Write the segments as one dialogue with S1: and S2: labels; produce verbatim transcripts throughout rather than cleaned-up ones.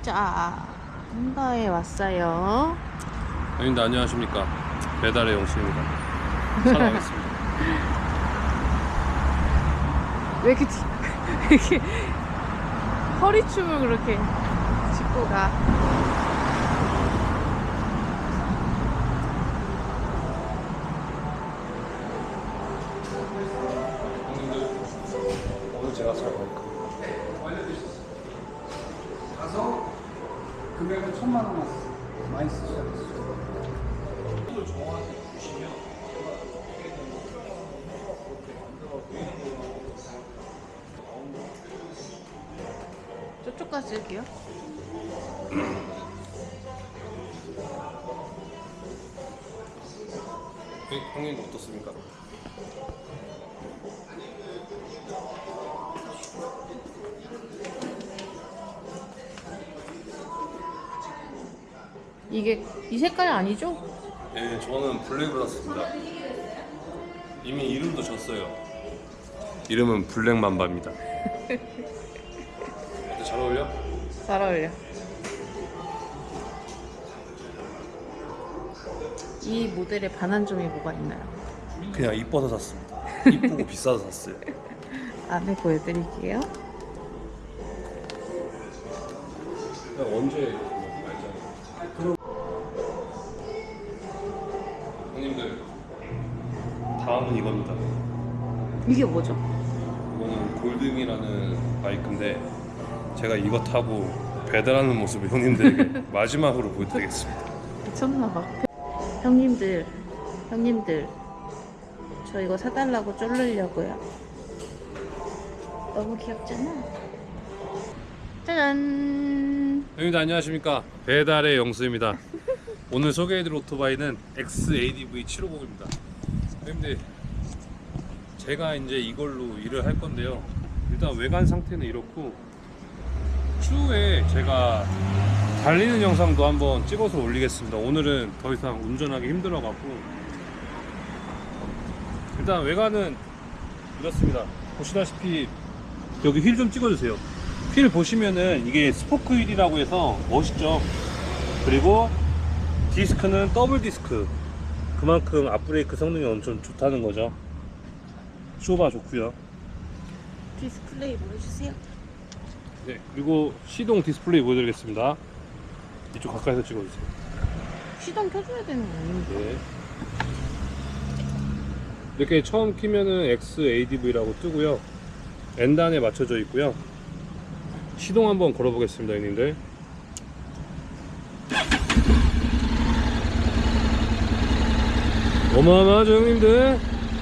S1: 자, 한가에 왔어요.
S2: 형님들 안녕하십니까. 배달의 영수입니다. 사랑하겠습니다.
S1: 왜 이렇게, 뒤- 왜 이렇게 허리춤을 그렇게 짚고 가?
S2: 형님들 오늘 제가 살 거니까
S3: 가서 금액은 천만 원만 많이 쓰셔야겠어요.
S1: 저쪽까지 할게요.
S2: 형님도 어떻습니까?
S1: 이게 이 색깔 아니죠?
S2: 네, 저는 블랙으로 샀습니다. 이미 이름도 졌어요. 이름은 블랙맘바입니다. 어때, 잘 어울려?
S1: 잘 어울려. 이 모델의 반환점이 뭐가 있나요?
S2: 그냥 이뻐서 샀습니다. 이쁘고 비싸서 샀어요.
S1: 안에 보여드릴게요.
S2: 그냥 언제 알잖아요. 형님들 다음은 이겁니다.
S1: 이게 뭐죠?
S2: 이거는 골등이라는 바이크인데 제가 이거 타고 배달하는 모습을 형님들에게 마지막으로 보여드리겠습니다.
S1: 미쳤나봐. 형님들, 형님들, 저 이거 사달라고 쫄르려고요. 너무 귀엽잖아. 짜잔.
S2: 형님들 안녕하십니까. 배달의 영수입니다. 오늘 소개해드릴 오토바이는 엑스에이디브이 칠백오십입니다. 형님들 제가 이제 이걸로 일을 할 건데요. 일단 외관 상태는 이렇고 추후에 제가 달리는 영상도 한번 찍어서 올리겠습니다. 오늘은 더 이상 운전하기 힘들어갖고 일단 외관은 이렇습니다. 보시다시피 여기 휠 좀 찍어주세요. 휠 보시면은 이게 스포크 휠이라고 해서 멋있죠. 그리고 디스크는 더블 디스크, 그만큼 앞브레이크 성능이 엄청 좋다는 거죠. 쇼바 좋고요.
S1: 디스플레이 보여주세요.
S2: 네, 그리고 시동 디스플레이 보여드리겠습니다. 이쪽 가까이서 찍어주세요.
S1: 시동 켜줘야 되는 거 아닙니까?
S2: 네. 이렇게 처음 키면은 엑스에이디브이라고 뜨고요. N단에 맞춰져 있고요. 시동 한번 걸어보겠습니다, 형님들. 어마어마하죠, 형님들.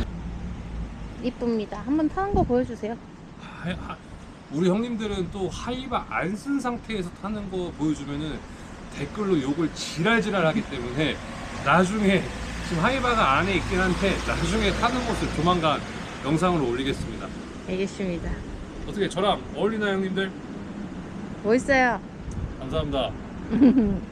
S1: 이쁩니다. 한번 타는 거 보여주세요.
S2: 하, 하, 우리 형님들은 또 하이바 안 쓴 상태에서 타는 거 보여주면은 댓글로 욕을 지랄지랄 하기 때문에 나중에 지금 하이바가 안에 있긴 한데 나중에 타는 모습 조만간 영상으로 올리겠습니다.
S1: 알겠습니다.
S2: 어떻게 저랑 어울리나요, 형님들?
S1: 멋있어요.
S2: 감사합니다.